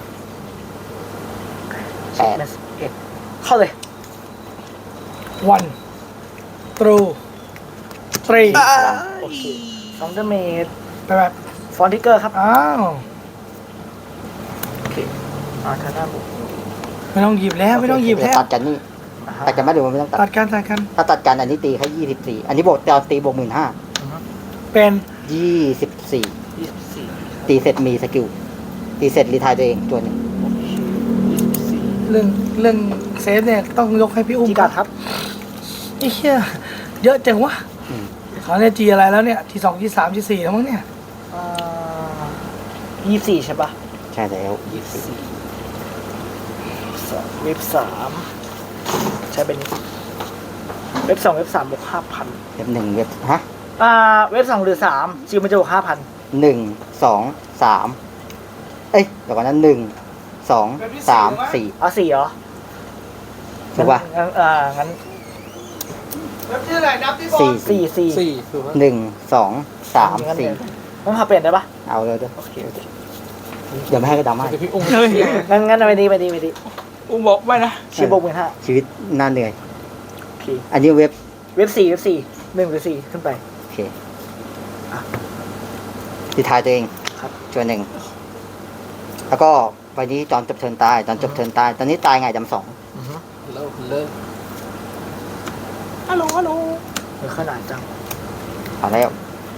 [SPEAKER 2] แปด
[SPEAKER 3] เอ็ดเข้าเลย
[SPEAKER 1] วันตรูตรี
[SPEAKER 3] โอเคสองเดเมจ
[SPEAKER 1] ไปแบบ
[SPEAKER 3] ฟอนทิกเกอร์ครับ
[SPEAKER 1] อ้าว
[SPEAKER 3] โอเคอ่าทางหน้าบุก
[SPEAKER 1] ไม่ต้องหยิบแล้วไม่ต้องหยิบแล้ว
[SPEAKER 2] ตัดกันนี่
[SPEAKER 3] อ่าฮะ
[SPEAKER 2] ตัดกันไหมหรือว่าไม่ต้องตั
[SPEAKER 1] ตั
[SPEAKER 2] ด
[SPEAKER 1] ดกันตัดกัน
[SPEAKER 2] ถ้าตัดกันอันนี้ตีแค่ยี่สิบสี่อันนี้บวกตอนตีบวกหมื่นห้า
[SPEAKER 3] อือฮึ
[SPEAKER 1] เป็น
[SPEAKER 2] ยี่สิบสี่
[SPEAKER 3] ยี่สิบสี่
[SPEAKER 2] ตีเสร็จมีสกิลตีเสร็จรีไทายตัวเองตัวหนึ่ง
[SPEAKER 3] โอเคยี่สิบสี่
[SPEAKER 1] เรื่องเรื่องเซฟเนี่ยต้องยกให้พี่อุ้ม
[SPEAKER 3] จีการ์ดครับ
[SPEAKER 1] ไอ้เหี้ยเยอะจังวะ
[SPEAKER 2] อืม
[SPEAKER 1] เขาเนี่ยจีอะไรแล้วเนี่ยจีสองจีสามจีสี่แล้วมั้งเนี่ย
[SPEAKER 3] อ่ายี่สี่ใช่ปะ
[SPEAKER 2] ใช่แล้วยี่สิบ
[SPEAKER 3] สองเว็บสามใช้เป็นเว็บสองเว็บสามบวกห้าพัน
[SPEAKER 2] เว็บหนึ่งเว็บฮะ
[SPEAKER 3] อ่าเว็บสองหรือสามจิวมันจะบวกห้าพัน
[SPEAKER 2] หนึ่งสองสามเอ้ยเดี๋ยวก่อนนั้นหนึ่งสองสามสี่
[SPEAKER 3] เอาสี่เหรอ
[SPEAKER 2] ถูกป่ะ
[SPEAKER 3] งั้นอ่างั้น
[SPEAKER 1] เว็บชื่ออะไรนับที่บอล
[SPEAKER 2] สี่
[SPEAKER 3] สี่สี่
[SPEAKER 5] สี่ถูกไหม
[SPEAKER 2] หนึ่งสองสาม
[SPEAKER 3] งั้น
[SPEAKER 2] สี่
[SPEAKER 3] เดี๋ยวต้องพาเปลี่ยนได้ปะ
[SPEAKER 2] เอาเลยเด้อ
[SPEAKER 3] โอเคโอเค
[SPEAKER 2] เดี๋ยวไม่ให้ก็ดราม่า
[SPEAKER 5] เดี๋ยวพี่อุ้ม
[SPEAKER 1] เฮ้ย
[SPEAKER 3] งั้นงั้นไปดีไปดีไปดี
[SPEAKER 1] อุ้มบอกไว้นะ
[SPEAKER 3] ชิบวกหมื่นห้า
[SPEAKER 2] ชีวิตน่าเหนื่อย
[SPEAKER 3] โอเค
[SPEAKER 2] อันนี้เว็บ
[SPEAKER 3] เว็บสี่เว็บสี่หนึ่งหรือสี่ขึ้นไป
[SPEAKER 2] โอเคที่ทายตัวเอง
[SPEAKER 3] ครับ
[SPEAKER 2] จวนหนึ่งแล้วก็วันนี้ตอนจบเทิร์นตายตอนจบเทิร์นตายตอนนี้ตายไงจำสอง
[SPEAKER 3] อือฮึ
[SPEAKER 5] เลิกเลิก
[SPEAKER 3] ฮัลโหลฮัลโหลเออขนาดจัง
[SPEAKER 2] เอาแล้ว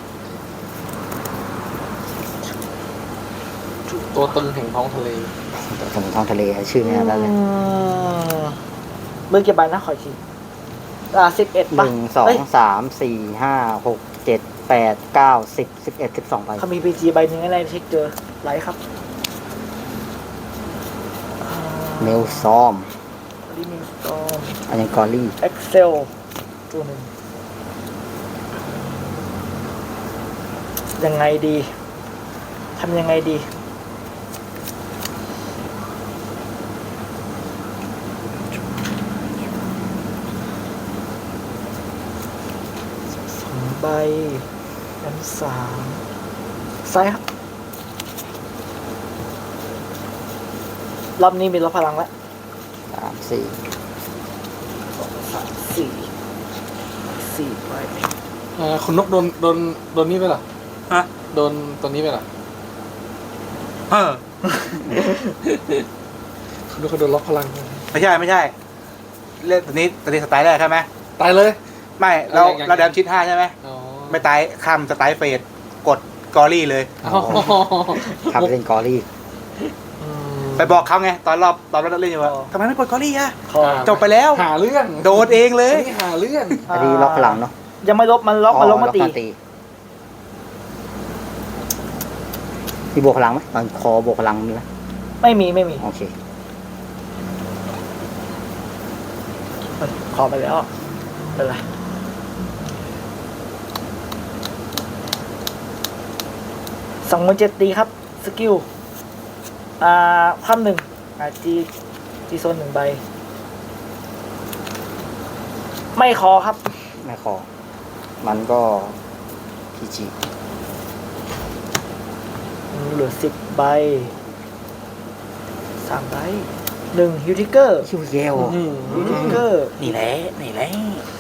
[SPEAKER 5] ตัวตึงแห่งท้องทะเล
[SPEAKER 2] สมุนท้องทะเลชื่อไม่ได้เลย
[SPEAKER 3] อืมเมื่อกี่ใบนะขออีกทีอ่าสิบเอ็ด
[SPEAKER 2] ห
[SPEAKER 3] ป่ะ
[SPEAKER 2] นึ่งสองสามสี่ห้าหกเจ็ดแปดเก้าสิบสิบเอ็ดสิบสองใบ
[SPEAKER 3] เขามีพีจีใบหนึ่งอะไรเช็คเจอไลท์ครับ
[SPEAKER 2] เมลซอม
[SPEAKER 3] ดิมิสตอม
[SPEAKER 2] อันนี้กอรี่
[SPEAKER 3] เอ็กเซลตัวหนึ่งยังไงดีทำยังไงดีสองใบอันสามไซส์ครับรอบนี้มีลบพลังแล้ว
[SPEAKER 2] สามสี่
[SPEAKER 3] สองสามสี่สี่ใบ
[SPEAKER 5] เอ่อคุณนกโดนโดนโดนนี่ไปเหรอ
[SPEAKER 4] ฮะ
[SPEAKER 5] โดนตัวนี้ไปเหรอ
[SPEAKER 4] เออ
[SPEAKER 5] คุณนกเขาโดนล็อกพลัง
[SPEAKER 4] ไม่ใช่ไม่ใช่ เล่นตัวนี้ตัวนี้สไตล์แรกใช่ไหม
[SPEAKER 5] ตายเลย
[SPEAKER 4] ไม่เรา
[SPEAKER 5] ยังยัง
[SPEAKER 4] เราแดมชิดห้าใช่ไหม
[SPEAKER 5] อ๋อ
[SPEAKER 4] ไม่ตายข้ามสไตล์เฟดกดกอรี่เลย
[SPEAKER 5] อ๋อ
[SPEAKER 2] ขับเล่นกอรี่
[SPEAKER 5] อืม
[SPEAKER 4] ไปบอกเขาไงตอนรอบตอนเราเล่นอยู่ว่าทำไมไม่กดกอรี่อะ
[SPEAKER 3] คอ
[SPEAKER 4] จบไปแล้ว
[SPEAKER 5] หาเรื่อง
[SPEAKER 4] โดนเองเลย
[SPEAKER 5] นี่หาเรื่อง
[SPEAKER 2] อันนี้ล็อกพลังเนาะ
[SPEAKER 3] ยังไม่ลบมันล็อกมันลบมาตี
[SPEAKER 2] ล็อกตีมีบวกพลังไหมตอนคอบวกพลังมีไหม
[SPEAKER 3] ไม่มีไม่มี
[SPEAKER 2] โอเค
[SPEAKER 3] ขอไปแล้วเป็นไรสองหมื่นเจ็ดตีครับ สกิล อ่าความหนึ่งอ่าจีจีโซนหนึ่งใบ ไม่คอครับ
[SPEAKER 2] ไม่คอ มันก็พีจี
[SPEAKER 3] เหลือสิบใบสามใบหนึ่งฮิวทิเกอร์
[SPEAKER 2] คิวเยล
[SPEAKER 5] อืม
[SPEAKER 3] ฮิวทิเกอร์
[SPEAKER 4] นี่แหละนี่แหละ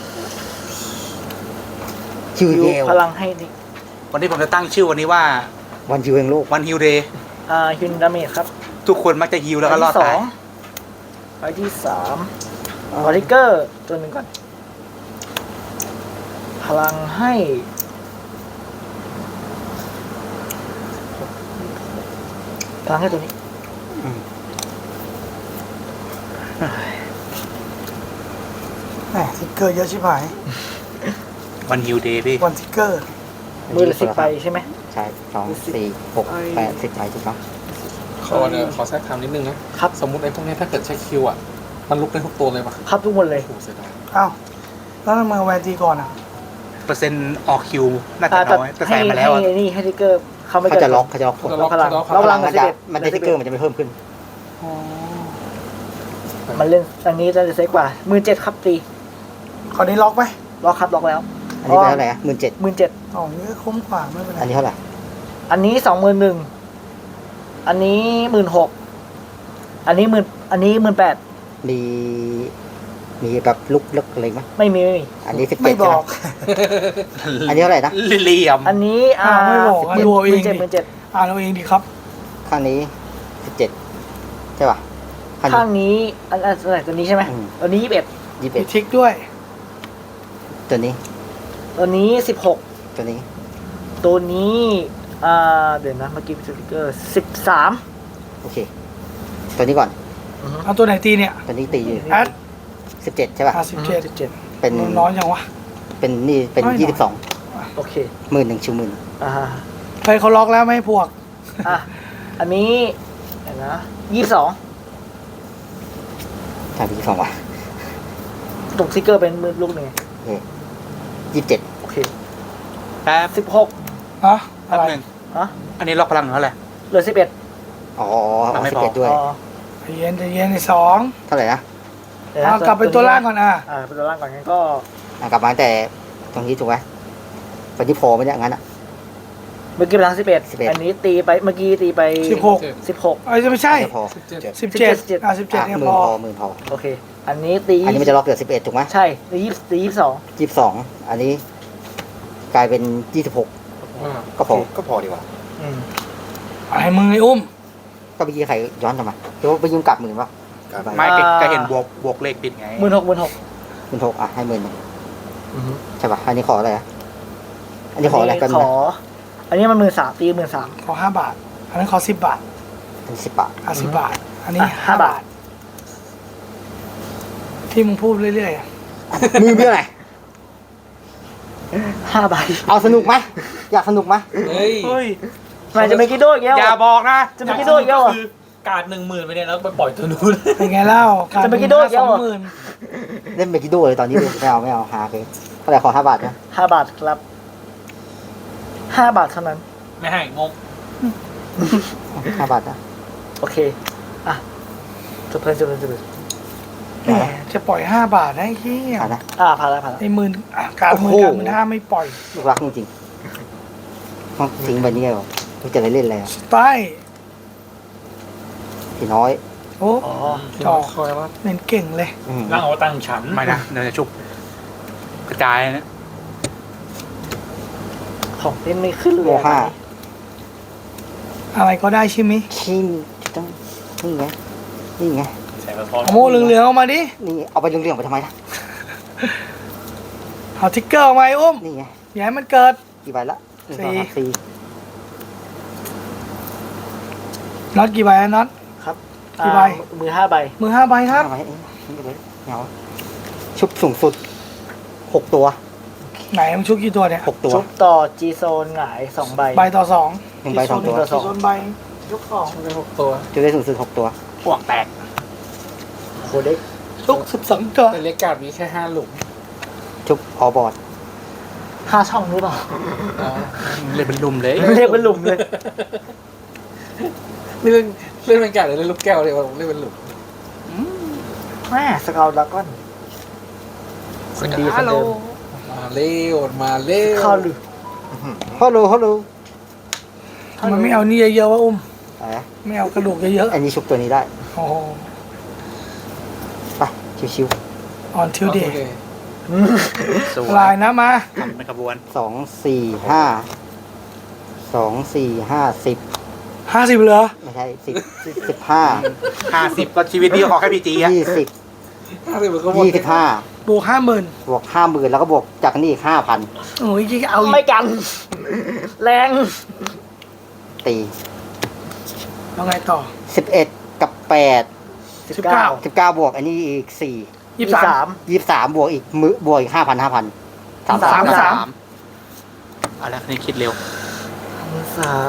[SPEAKER 2] คิว
[SPEAKER 3] ฮิว
[SPEAKER 2] เยล
[SPEAKER 3] พลังให้นี่
[SPEAKER 4] วันนี้ผมจะตั้งชื่อวันนี้ว่า
[SPEAKER 2] วันคิวเองโลก
[SPEAKER 4] วันฮิวเดย์
[SPEAKER 3] อ่าฮิวดาเมจครับ
[SPEAKER 4] ทุกคนมักจะฮิวแล้วก็รอด
[SPEAKER 3] ใบที่สอ
[SPEAKER 4] ตาย
[SPEAKER 3] งใบที่สามวอริเกอร์ตัวหนึ่งก่อน พลังให้พลังให้ตัวนี้
[SPEAKER 2] อืม
[SPEAKER 1] แหมทิกเกอร์เยอะชิบหาย
[SPEAKER 4] วันฮิวเดย์พี่
[SPEAKER 1] วันทิกเกอร์
[SPEAKER 3] มือละสิบใบใช่ไหม
[SPEAKER 2] ใช่สองสี่หกแปดสิบใบถูกต้อง
[SPEAKER 5] ขอเนี่ยขอแทรกคำนิดนึงนะครับ สมมุติไอ้พวกเนี้ยถ้าเกิดใช้คิวอ่ะ มันลุกได้ทุกตัวเลยปะ
[SPEAKER 3] พับทุกคนเลย
[SPEAKER 5] โอ้โหเสียดาย
[SPEAKER 1] อ้าวแล้วทำไมเอาแวนตีก่อนอ่ะ
[SPEAKER 4] เปอร์เซ็นต์ออกคิวน่าจะ
[SPEAKER 3] อ่าแต่
[SPEAKER 4] น้อยแต่
[SPEAKER 3] ให้
[SPEAKER 4] ใส่มาแล้วอะ
[SPEAKER 3] ให้นี่ให้ทิกเกอร์เขาไม่
[SPEAKER 2] เขา
[SPEAKER 3] เกิน
[SPEAKER 2] จะล็อกเขาจะล็อกกด
[SPEAKER 3] ล็อกพลัง
[SPEAKER 5] ล็อก
[SPEAKER 3] ล็อกพลัง
[SPEAKER 2] มันจะมันจะติ๊กเกอร์มันจะไม่เพิ่มขึ้น
[SPEAKER 3] มันเล่นอันนี้จะเซ็กกว่าหมื่นเจ็ดครับตี
[SPEAKER 1] คราวนี้ล็อกไหม
[SPEAKER 3] ล็อกครับล็อกแล้ว
[SPEAKER 2] อันนี้เป็นเท่าไหร่หมื่นเจ็ด
[SPEAKER 3] หมื่นเจ็ด
[SPEAKER 1] อ๋อนี่ก็คุ้มกว่าไม่เป็นไร
[SPEAKER 2] อันนี้เท่าไหร่
[SPEAKER 3] อันนี้สองหมื่นหนึ่งอันนี้หมื่นหกอันนี้หมื่นอันนี้หมื่นแปด
[SPEAKER 2] มีมีแบบลุกเลิกอะไรไหม
[SPEAKER 3] ไม่มีไม่มี
[SPEAKER 2] อันนี้สิบ
[SPEAKER 1] ไม่
[SPEAKER 2] เจ็ด
[SPEAKER 1] บ
[SPEAKER 2] ใช่ไห
[SPEAKER 1] อ
[SPEAKER 2] ม
[SPEAKER 1] ก
[SPEAKER 2] อันนี้เท่าไหร่นะ
[SPEAKER 4] เหลี่ยม
[SPEAKER 3] อันนี้อ่า
[SPEAKER 1] อ้าวไม่บอกอ่ะ
[SPEAKER 3] หมื่น
[SPEAKER 1] ดูเอาเอง
[SPEAKER 3] เจ็ด
[SPEAKER 1] ดิ
[SPEAKER 3] หมื่นเจ็ด
[SPEAKER 1] อ่านเอาเองดีครับ
[SPEAKER 2] ข้างนี้สิบเจ็ดใช่ป่ะข้าง
[SPEAKER 3] ข้าง
[SPEAKER 2] นี้
[SPEAKER 3] นี้อันอันอันไหนตัวนี้ใช่ไหม
[SPEAKER 2] อืม
[SPEAKER 3] ตัวนี้ยี่สิบเอ็ด
[SPEAKER 2] ยี่สิบ
[SPEAKER 1] มี
[SPEAKER 2] เอ็ด
[SPEAKER 1] ทิกด้วย
[SPEAKER 2] ตัวนี้
[SPEAKER 3] ตัวนี้สิบหก
[SPEAKER 2] ตัวนี้
[SPEAKER 3] ตัวนี้อ่าเดี๋ยวนะเมื่อกี้เป็นสติกเกอร์สิบสาม
[SPEAKER 2] โอเค ตัวนี้ก่อน
[SPEAKER 3] อือฮึ
[SPEAKER 1] เอาตัวไหนตีเนี่ย
[SPEAKER 2] ตอนนี้ตีอยู่
[SPEAKER 1] แอด
[SPEAKER 2] สิบเจ็ดใช่ป่ะ
[SPEAKER 1] ห้าสิบเจ็ด
[SPEAKER 3] สิบเจ็ด
[SPEAKER 2] เป็น
[SPEAKER 1] น้อยจังวะ
[SPEAKER 2] เป็นนี่เป็น
[SPEAKER 1] น้อยหน่อย
[SPEAKER 2] ยี่สิบสอง
[SPEAKER 3] โอเค
[SPEAKER 2] หมื่นหนึ่งชิวหมื่น
[SPEAKER 3] อ่า
[SPEAKER 1] เฮ้ยเขาล็อกแล้วไม่ให้พวก
[SPEAKER 3] อ่ะอันนี้เห็นนะยี่สิบสอง
[SPEAKER 2] ใช่ยี่สิบสองว่ะ
[SPEAKER 3] ตกสติกเกอร์เป็นมือลูกหนึ่ง
[SPEAKER 2] ยี่สิบเจ็ด
[SPEAKER 3] โอเค
[SPEAKER 4] แป๊บ
[SPEAKER 3] สิบหก
[SPEAKER 1] ฮะ
[SPEAKER 4] แป๊
[SPEAKER 1] อะ
[SPEAKER 4] บ
[SPEAKER 1] ไร
[SPEAKER 4] หนึ่ง
[SPEAKER 3] ฮะ
[SPEAKER 4] อันนี้ล็อกพลังเท่าไหร่
[SPEAKER 3] เหลือสิบเอ็ด
[SPEAKER 2] อ๋อ
[SPEAKER 4] อ่ะไม่
[SPEAKER 2] สิบ
[SPEAKER 4] พอ
[SPEAKER 2] เจ็ดด้วย
[SPEAKER 3] อ๋อ
[SPEAKER 1] ใจเย็นใจเย็นในสอง
[SPEAKER 2] เท่าไหร่นะ
[SPEAKER 3] เดี๋ยวนะ
[SPEAKER 1] เอากลับไปตัวล่างก่อนอ่ะ
[SPEAKER 3] อ่าเป็นตัวล่างก่อนงั้นก็
[SPEAKER 2] อ่ะกลับมาตั้งแต่ตรงนี้ถูกไหมวันนี้พอไหมเนี่ยงั้นอ่ะ
[SPEAKER 3] เมื่อกี้เป็นทางสิบเอ็ด
[SPEAKER 2] สิบเอ็ด
[SPEAKER 3] อันนี้ตีไปเมื่อกี้ตีไป
[SPEAKER 1] สิบหก
[SPEAKER 3] สิบหก
[SPEAKER 1] เอ้ยจะไม่ใช่
[SPEAKER 2] ไม่พอ
[SPEAKER 5] สิบเจ็ด
[SPEAKER 1] สิบเจ็ด
[SPEAKER 3] สิบเจ็ด
[SPEAKER 1] อ่ะสิบเจ็ด
[SPEAKER 2] อ่ะ
[SPEAKER 1] เนี่ย
[SPEAKER 2] หมื่
[SPEAKER 1] พ
[SPEAKER 2] น
[SPEAKER 1] อ
[SPEAKER 2] พอหมื่นพอ
[SPEAKER 3] โอเค อันนี้ตี
[SPEAKER 2] อันนี้มันจะล็อกเหลือสิบเอ็ดถูกไหม
[SPEAKER 3] ใช่ตียี่ตียี่สิบสอง
[SPEAKER 2] ยี่สิบสองอันนี้กลายเป็นยี่สิบหก
[SPEAKER 5] อ่า
[SPEAKER 2] ก็พอก็พอดีกว่า
[SPEAKER 3] อืม
[SPEAKER 1] อะไรมึงไอ้อุ้ม
[SPEAKER 2] ก็เมื่อกี้ใครย้อนกลับมาเดี๋ยวไปยืมกลับหมื่นป่ะ
[SPEAKER 4] ไม่แกแกเห็นบวกบวกเลขปิดไง
[SPEAKER 3] หมื่นหกหมื่นหก
[SPEAKER 2] หมื่นหกอ่ะให้หมื่นหนึ่งใช่ป่ะอันนี้ขออะไรอ่ะอันนี้ขออะไรกัน
[SPEAKER 3] ข
[SPEAKER 2] นะ
[SPEAKER 3] อ อันนี้มันหมื่นสามตีหมื่นสาม
[SPEAKER 1] ขอห้าบาท อันนั้นขอสิบบาท
[SPEAKER 2] เป็นสิบบาท
[SPEAKER 1] อ่ะสิบบาท อันนี้
[SPEAKER 3] อ่ะ
[SPEAKER 1] ห้า
[SPEAKER 3] ห้า
[SPEAKER 1] บา
[SPEAKER 3] บา
[SPEAKER 1] ท
[SPEAKER 3] ท
[SPEAKER 1] ที่มึงพูดเรื่อยๆอ่ะ
[SPEAKER 2] มือเพื่ออะไร
[SPEAKER 3] ห้าใบ
[SPEAKER 2] เอาสนุกไหมอยากสนุกไหม
[SPEAKER 5] เฮ้ย
[SPEAKER 4] เฮ้ย
[SPEAKER 3] มันจะไม่กินโดอีกแล้ว
[SPEAKER 4] อย่าบอกนะ
[SPEAKER 3] จะไม่กินโดอีกแล้วเหรอ
[SPEAKER 6] การหนึ่งหมื่นไปเนี่ยแล้วไปปล่อยตัวนู้น
[SPEAKER 1] เป็นไงเล่าการ
[SPEAKER 3] จะไปกินโดดเดี
[SPEAKER 1] ส
[SPEAKER 3] ยว
[SPEAKER 1] อง
[SPEAKER 3] เหรอ
[SPEAKER 1] หมื่น
[SPEAKER 2] เล่นเบกิโดเลยตอนนี้เลยไม่เอาไม่เอาหาเลยเท่าไหร่ขอห้าบาทนะ
[SPEAKER 3] ห้าบาทครับห้าบาทเท่านั้น
[SPEAKER 6] ไม่ให้งง
[SPEAKER 2] ห้าบาทนะ
[SPEAKER 3] โอเค อ่ะจบเพลินจบเพลินจบเพลิน
[SPEAKER 1] แหมจะปล่อยห้าบาทได้เฮีย
[SPEAKER 2] หานะ
[SPEAKER 3] อ่าผ่านแล้วผ่านแล้ว
[SPEAKER 1] ไอ้หมื่นอ่ะการหมื่น
[SPEAKER 2] โอ้โห
[SPEAKER 1] การหมื่นห้าไม่ปล่อย
[SPEAKER 2] ลูกรักจริงๆต้องทิ้งไปนี่เหรอไม่จะได้เล่นอะไรอ่ะ
[SPEAKER 1] สไตล์
[SPEAKER 2] พี่น้อย
[SPEAKER 1] โอ้
[SPEAKER 3] อ๋อ
[SPEAKER 1] จอ
[SPEAKER 5] คอยว่า
[SPEAKER 1] เล่นเก่งเลย
[SPEAKER 2] อืม
[SPEAKER 6] ร่างเอาตังค์ฉัน
[SPEAKER 4] ไม่นะเดี๋ยวจะชุบกระจายนะ
[SPEAKER 3] ของเล่นไม่ขึ้นเลย
[SPEAKER 2] โมห้า
[SPEAKER 1] อะไรก็ได้ใช่ไหม
[SPEAKER 2] ชิมต้องนี่ไงนี่ไง
[SPEAKER 6] ใส่มาพร้อม
[SPEAKER 1] เอาโม่เหลืองๆออกมาดิ
[SPEAKER 2] นี่เอาไปเรื่องๆไปทำไมล่ะ
[SPEAKER 1] เอาทิกเกอร์ออกมาไอ้อุ้ม
[SPEAKER 2] นี่ไง
[SPEAKER 1] อย่าให้มันเกิด
[SPEAKER 2] กี่ใบละหนึ่งส
[SPEAKER 1] สี่
[SPEAKER 2] องสามสี่
[SPEAKER 1] น็อตกี่ใบอะน็อต
[SPEAKER 3] ครับ
[SPEAKER 1] กี่ใบ
[SPEAKER 3] อ่ามือห้าใบ
[SPEAKER 1] มือห้าใบครับ
[SPEAKER 2] ห้าใบเองนี่ก็เลยเหงาชุบสูงสุดหกตัว
[SPEAKER 1] ไหนมึงชุกกี่ตัวเนี่ย
[SPEAKER 2] หกตัว
[SPEAKER 3] ชุบต่อจีโซนหงายสองใบ
[SPEAKER 1] ใบต่อสอง
[SPEAKER 2] หนึ่งใบสองตัว
[SPEAKER 3] ต่อสอง
[SPEAKER 1] โซนใบยกสอง
[SPEAKER 5] เป็นหกตัว
[SPEAKER 2] จะได้สูงสุดหกตัว
[SPEAKER 4] พวกแตก
[SPEAKER 3] โคเด็ก
[SPEAKER 1] ชุกสิบสองตัว
[SPEAKER 5] แต่เล็กการ์ดมีแค่ห้าหลุม
[SPEAKER 2] ชุบออบอร์ด
[SPEAKER 3] ห้าช่องหรือเปล่า
[SPEAKER 5] อ๋อ
[SPEAKER 4] เล่นเป็นลุมเลย
[SPEAKER 3] เรียกเป็นหลุมเลย
[SPEAKER 5] เล่นเล่นเป็นการ์ดหรือเล่นลูกแก้วเลยว่าเล่นเป็นหลุม
[SPEAKER 3] แม่สกาวดราก้อนคนดีคนเดิม
[SPEAKER 5] มาเร็วมาเร็ว
[SPEAKER 3] เข้าหรือ
[SPEAKER 2] ฮัลโหลฮัลโหล
[SPEAKER 1] มันไม่เอานี่เยอะๆวะอุ้ม
[SPEAKER 2] อะไรนะ
[SPEAKER 1] ไม่เอากระดูกเยอะ
[SPEAKER 2] อันนี้ชุบตัวนี้ได้
[SPEAKER 1] ๆโอ้โห
[SPEAKER 2] ไปชิว
[SPEAKER 1] ออนทิวเดย์
[SPEAKER 5] โอเค
[SPEAKER 4] สวย
[SPEAKER 1] ลายนะมา
[SPEAKER 4] ทำเป็นขบวน
[SPEAKER 2] ๆสองสี่ห้าสองสี่ห้าสิบ
[SPEAKER 1] ห้าสิบเหรอ
[SPEAKER 2] ไม่ใช่สิบสิบห้า
[SPEAKER 4] ห้าสิบก็ชีวิตนี้ขอแค่พีจีอะ
[SPEAKER 2] ยี่สิบ
[SPEAKER 5] ห้าสิบมันก็หมด
[SPEAKER 2] ยี่สิบห้า
[SPEAKER 1] บวกห้าหมื่น
[SPEAKER 2] บวกห้าหมื่นแล้วก็บวกจากนี่อีกห้าพัน
[SPEAKER 1] โอ้ยยี่เอาอี
[SPEAKER 3] ไม่
[SPEAKER 1] ก
[SPEAKER 3] กัน แรง
[SPEAKER 2] ตี
[SPEAKER 1] แล้วไงต่อ
[SPEAKER 2] สิบเอ็ดกับแปด
[SPEAKER 1] สิบเก้า
[SPEAKER 2] สิบเก้าบวกอันนี้อีกสี่
[SPEAKER 1] ยี่สิบสาม
[SPEAKER 2] ยี่สิบสามบวกอีกมือบวกอีกห้าพันห้าพันสาม
[SPEAKER 1] สา
[SPEAKER 2] สาม ม
[SPEAKER 1] สาม
[SPEAKER 4] เอาละนี่คิดเร็ว
[SPEAKER 3] สาม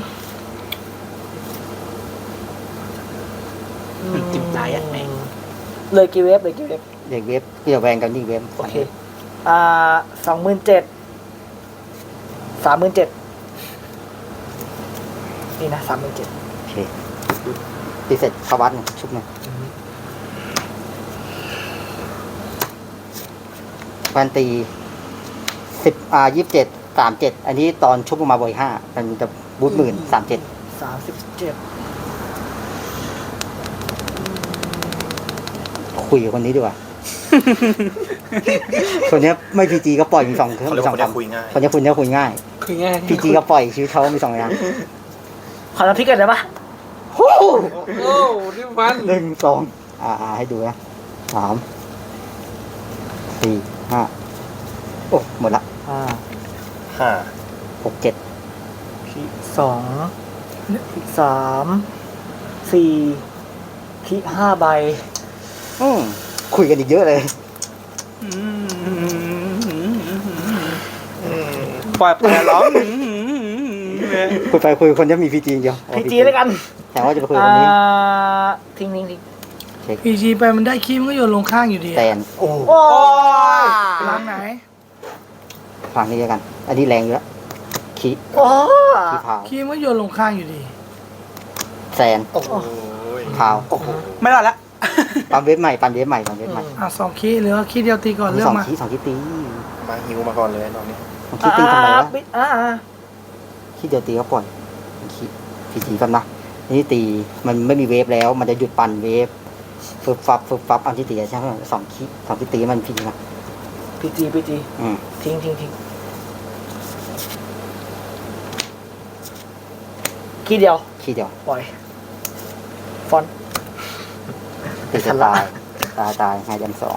[SPEAKER 4] จิ้มตายอ่ะแม่ง
[SPEAKER 3] เลยกี่เวฟเลยกี่เวฟ
[SPEAKER 2] เด็กเว็บเกี่ยวแวงกันนี่เว็บ
[SPEAKER 3] โอเค อ่าสองหมื่นเจ็ดสามหมื่นเจ็ดนี่นะสามหมื่นเจ็ด
[SPEAKER 2] โอเคตีเสร็จเข้าวัดหนึ่งชุบหนึ่งพันตีสิบอ่ายี่สิบเจ็ดสามเจ็ดอันนี้ตอนชุบลงมาบวกอีกห้ามันจะบูทหมื่นสามเจ็ด
[SPEAKER 3] สามสิบเจ็ด
[SPEAKER 2] คุยกับคนนี้ดีกว่า คนเนี้ยไม่พีจีก็ปล่อยมีสองเครื่อง
[SPEAKER 7] เขาเรีย
[SPEAKER 2] มี
[SPEAKER 7] ก
[SPEAKER 2] สอ
[SPEAKER 7] ว่าง คนเนี้ย
[SPEAKER 2] คำ
[SPEAKER 7] คุยง่าย
[SPEAKER 2] คนเนี้ยคุณเนี้ยคุยง่าย
[SPEAKER 5] คือง่าย
[SPEAKER 2] พีจีก็ปล่อยชีวิตเขามีสองอย่าง
[SPEAKER 3] ขอน้ำพริกกันได้ปะ
[SPEAKER 2] โอ้
[SPEAKER 5] โอ้นี่มัน
[SPEAKER 2] หนึ่งสองอ่าอ่าให้ดูนะสามสี่ห้าโอ้หมดละ
[SPEAKER 3] อ่า
[SPEAKER 7] ห้า
[SPEAKER 2] หกเจ็ด
[SPEAKER 3] สองสามสี่คีห้าใบ
[SPEAKER 2] อืมคุยกันอีกเยอะเลย
[SPEAKER 4] ปล่อยปล่อยร้อง
[SPEAKER 2] คุยไปคุยคนจะมีพีจีเดียว
[SPEAKER 3] พีจีแล้วกัน
[SPEAKER 2] แต่ว่าจะไปคุย
[SPEAKER 3] อ่า
[SPEAKER 2] คนนี้
[SPEAKER 3] ทิ้งทิ้งทิ้ง
[SPEAKER 1] พีจีไปมันได้คีย์มันก็โยนลงข้างอยู่ดี
[SPEAKER 2] แตน
[SPEAKER 3] โอ้
[SPEAKER 1] ล้างไหน
[SPEAKER 2] ฟังนี้แล้วกัน อันนี้แรงอยู่แล้วขี้
[SPEAKER 3] โอ้
[SPEAKER 2] ขี้พาว
[SPEAKER 1] คีย์มันก็โยนลงข้างอยู่ดี
[SPEAKER 2] แซน
[SPEAKER 5] โอ้โห
[SPEAKER 2] พาว
[SPEAKER 4] ไม่รอดละ
[SPEAKER 2] ปั๊มเว็บใหม่ปั๊มเว็บใหม่ปั๊มเว็บใหม่
[SPEAKER 1] อ่ะสองคีย์หรือว่าคีย์เดียวตีก่อนเรื่อ
[SPEAKER 2] สอง
[SPEAKER 1] งมา
[SPEAKER 2] ขี้สองขี้ตี
[SPEAKER 5] มาหิวมาก่อนเลยตอนนี้
[SPEAKER 2] สองขี้ตีทำไมวะ
[SPEAKER 3] อ่าอ่า
[SPEAKER 2] ขี้เดียวตีก็ปล่อยขี้พีจีกันนะนี่ตีมันไม่มีเวฟแล้ว มันจะหยุดปั่นเวฟฟึบฟับฟึบฟับอันที่ตีใช่ไหมสองขี้สองขี้ตีมันพีนะ
[SPEAKER 3] พีจีพีจี
[SPEAKER 2] อืม
[SPEAKER 3] ทิ้งทิ้งทิ้งคีย์เดียว
[SPEAKER 2] ขี้เดียว
[SPEAKER 3] ปล่อย ฟอนต์
[SPEAKER 2] ตีจะตายตายตายไฮแดมสอง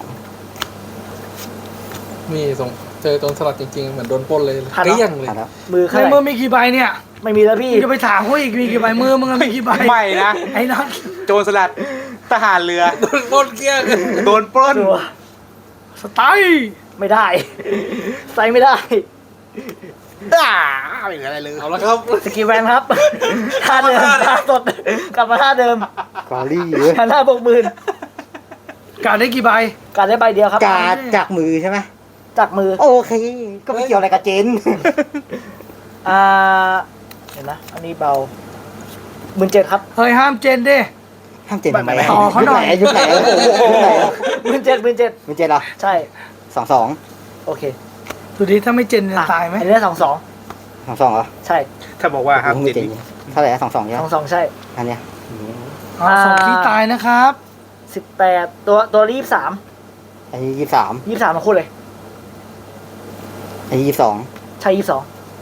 [SPEAKER 5] มีส่งเจอโดนสลัดจริงๆ เหมือนโดนปล้นเลยเกลี้ยงเลย
[SPEAKER 2] อ่ะแล้ว
[SPEAKER 3] มือ
[SPEAKER 1] ใน
[SPEAKER 3] ข้าง
[SPEAKER 1] มือมีกี่ใบเนี่ย
[SPEAKER 3] ไม่มีแล้วพี่
[SPEAKER 1] มึงจะไปถามเขาอีกมีกี่ใบมือมึงอะมีกี่ใบ
[SPEAKER 4] ไม่นะ
[SPEAKER 1] ไอ้นัท
[SPEAKER 4] โจรสลัดทหารเรือ
[SPEAKER 5] โดนปล้นเกลี้ยง
[SPEAKER 4] โดนปล้น
[SPEAKER 3] ตัว
[SPEAKER 1] สไตล์
[SPEAKER 3] ไม่ได้ ใส่ไม่ได้
[SPEAKER 4] อ่าไม่เหลืออะไรเลย
[SPEAKER 5] เอาละครับ
[SPEAKER 3] สกีแวนครับ ท่าเดิมท่าสด กลับมาท่าเดิม
[SPEAKER 2] กอรี่เว้ย
[SPEAKER 3] ท่าหน้าบกหมื่น
[SPEAKER 1] การได้กี่ใบ
[SPEAKER 3] การได้ใบเดียวครับ
[SPEAKER 2] การจากมือใช่ไหม
[SPEAKER 3] จากมือ
[SPEAKER 2] โอเค ก็ไม่เกี่ยวอะไรกับเจน
[SPEAKER 3] อ่า เห็นนะ อันนี้เบาหมื่นเจ็ดครับ
[SPEAKER 1] เฮ้ยห้ามเจนดิ
[SPEAKER 2] ห้ามเจนทำไม
[SPEAKER 1] ต่อเขาหน่อย
[SPEAKER 2] ยุคไหนยุคไหนยุคไหน
[SPEAKER 3] หมื่นเจ็ดหมื่นเจ็ด
[SPEAKER 2] มันเจนเหรอ
[SPEAKER 3] ใช่
[SPEAKER 2] สองสอง
[SPEAKER 3] โอเค
[SPEAKER 1] ดูดิถ้าไม่เจนจะ
[SPEAKER 3] อ่ะ
[SPEAKER 1] ตายไหม
[SPEAKER 3] อันนี้สองสอง
[SPEAKER 2] สองสองเหรอ
[SPEAKER 3] ใช่
[SPEAKER 4] ถ้าบอกว่าห้าม
[SPEAKER 2] ไม่
[SPEAKER 4] เจ็ด
[SPEAKER 2] เจนเท่าไหร่สองสองใช่
[SPEAKER 3] ส
[SPEAKER 2] ไห
[SPEAKER 3] อ
[SPEAKER 2] ม
[SPEAKER 3] งสองใช่
[SPEAKER 2] อันเนี้ย
[SPEAKER 1] อ่ะสองคีย์ตายนะครับ
[SPEAKER 3] สิบแปดตัวตัวรีบสาม
[SPEAKER 2] อันนี้ยี่สิบสาม
[SPEAKER 3] ยี่สามทั้งคู่เลย
[SPEAKER 2] อันนี้ยี่สิบสอง
[SPEAKER 3] ใช่ยี่สอง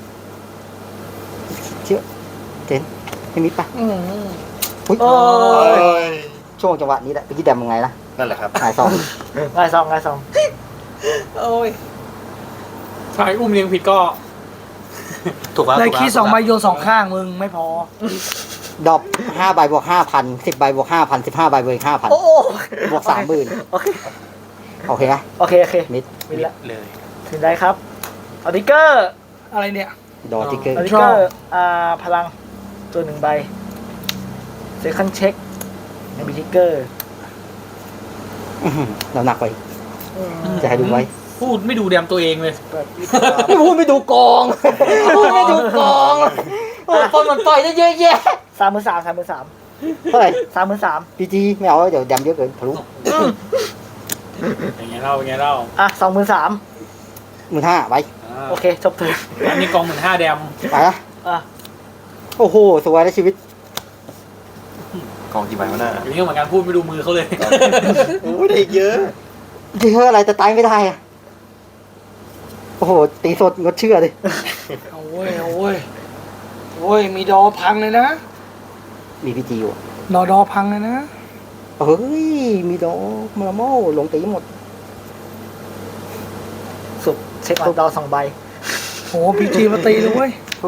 [SPEAKER 2] เชื่อเจนไม่มิดปะอุ้ย
[SPEAKER 3] โอ้ย
[SPEAKER 2] ช่วงจังหวะนี้แหละไปที่แดมยังไงนะ
[SPEAKER 5] นั่นแหละครับ
[SPEAKER 2] หายสอง
[SPEAKER 3] ง่ายสองง่ายสอง
[SPEAKER 6] โอ้ยถ้าไอ้อุ้มเลี้ยงผิดก็
[SPEAKER 4] ถูกแล้ว
[SPEAKER 1] ได้
[SPEAKER 4] ถูกแล้ว
[SPEAKER 1] คีย์สองใบโยนสองข้างมึงไม่พอ
[SPEAKER 2] ดรอปห้าใบบวกห้าพันสิบใบบวกห้าพันสิบห้าใบบวกห้าพัน
[SPEAKER 3] โอ้โห
[SPEAKER 2] บวกสามหมื่น
[SPEAKER 3] โอเค
[SPEAKER 2] โอเคนะ
[SPEAKER 3] โอเคโอเค
[SPEAKER 2] มิด
[SPEAKER 3] มิดละ
[SPEAKER 4] เลย
[SPEAKER 3] ถึงได้ครับออดิเกอร์
[SPEAKER 1] อะไรเนี่ย
[SPEAKER 2] ดอทิกเกอร์
[SPEAKER 3] ออดิเกอร์อ่าพลังตัวหนึ่งใบเซคันเช็คในบิทิกเกอร์
[SPEAKER 2] เราหนักไปจะให้ดูไว้
[SPEAKER 6] พูดไม่ดูแดมตัวเองเลย
[SPEAKER 3] เปิดยี่
[SPEAKER 2] ไม่พูดไม่ดูกองพูดไม่ดูกองโอ้คนมันปล่อยได้เยอะแยะ
[SPEAKER 3] สามหมื่นสามสามหมื่นสาม
[SPEAKER 2] เท่าไหร่
[SPEAKER 3] สามหมื่นสาม
[SPEAKER 2] พีจีไม่เอาแล้วเดี๋ยวดำเยอะเกินทะลุ
[SPEAKER 6] อย่างเงี้ยเล่าอย่างเงี้ยเล่า
[SPEAKER 3] อ่ะสองหมื่นสาม
[SPEAKER 2] หมื่นห้าไป
[SPEAKER 6] อ่า
[SPEAKER 3] โอเคจบเถิด
[SPEAKER 6] อันนี้กองหมื่นห้าแดม
[SPEAKER 2] ไปละ
[SPEAKER 3] อ่ะ
[SPEAKER 2] โอ้โหสวยแล้วชีวิต
[SPEAKER 5] กองกี่ใบวะน่ะ
[SPEAKER 6] อย่างนี้เหมือนกันพูดไม่ดูมือเขาเลย
[SPEAKER 5] โอ้ยเด็กเยอะ
[SPEAKER 2] เยอะอะไรแต่ตายไม่ได้อะโอ้โหตีสดงดเชื่อเลย
[SPEAKER 1] เอาเว้ยเอาเว้ยโอ้ยมีดอพังเลยนะ
[SPEAKER 2] มีพีจีอยู่
[SPEAKER 1] ดอดอพังเลยนะ
[SPEAKER 2] เฮ้ยมีดอกมาโม่ลงตีหมด
[SPEAKER 3] สุดเช็คออนดอสองใบ
[SPEAKER 1] โอ้พีจีมาตีเลยเว้ย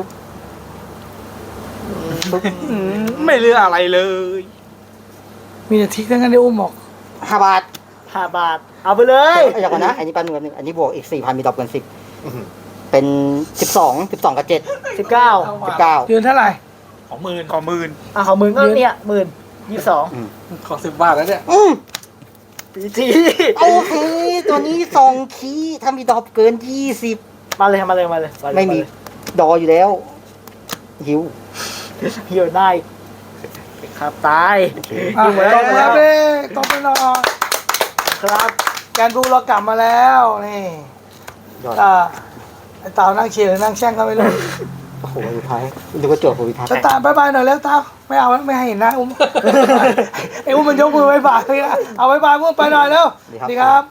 [SPEAKER 4] ไม่เหลืออะไรเลย
[SPEAKER 1] มีแต่ทิกทั้งนั้นที่อุ้มบอก
[SPEAKER 2] ห้าบาท
[SPEAKER 3] ห้าบาท เอาไปเลย
[SPEAKER 2] เอาอย่างก่อนนะอันนี้ปันหนึ่งหนึ่งอันนี้บวกอีกสี่พันมีดอกเกินสิบเป็นสิบสองสิบสองกับเจ็ด
[SPEAKER 3] สิบเก้า
[SPEAKER 2] สิบเก้า
[SPEAKER 1] ยืนเท่าไหร่
[SPEAKER 6] ของหมื่น
[SPEAKER 4] ขอหมื่น
[SPEAKER 3] อ่ะของหมื่นก็เนี่ยหมื่นยี่สิบสอง
[SPEAKER 5] ขอสิบบาทแล้วเนี่ย
[SPEAKER 2] อืม
[SPEAKER 3] ปีที
[SPEAKER 2] โอเค ตัวนี้สองคีย์ถ้ามีดอกเกินยี่สิบ
[SPEAKER 3] มาเลยมาเลยมาเลยาเลย
[SPEAKER 2] ไม่มีดออยู่แล้วหิว
[SPEAKER 3] เหี่ยวได้ครับตาย
[SPEAKER 2] โอเค
[SPEAKER 1] อ่ะ
[SPEAKER 3] ยิงไว้
[SPEAKER 1] ตบมือครับพี่ตบไปหน่อย
[SPEAKER 3] ครับ
[SPEAKER 1] แกนบูเรากลับมาแล้วนี่
[SPEAKER 2] ยอด
[SPEAKER 1] อ่าไอ้เต่านั่งเชียร์หรือนั่งแช่งก็ไม่รู้
[SPEAKER 2] โอ้โหสุดท้ายดูกระจกผมวิทัศน์
[SPEAKER 1] จะตามบายบายหน่อยแล้วเต่าไม่เอาแล้วไม่ให้เห็นหนะอุ้ม ไอ้อุ้มมันยกมือบายบายเลยนะเอาบายบายอุ้มไปหน่อยแล้ว
[SPEAKER 2] ดีครับ
[SPEAKER 1] ดีครับ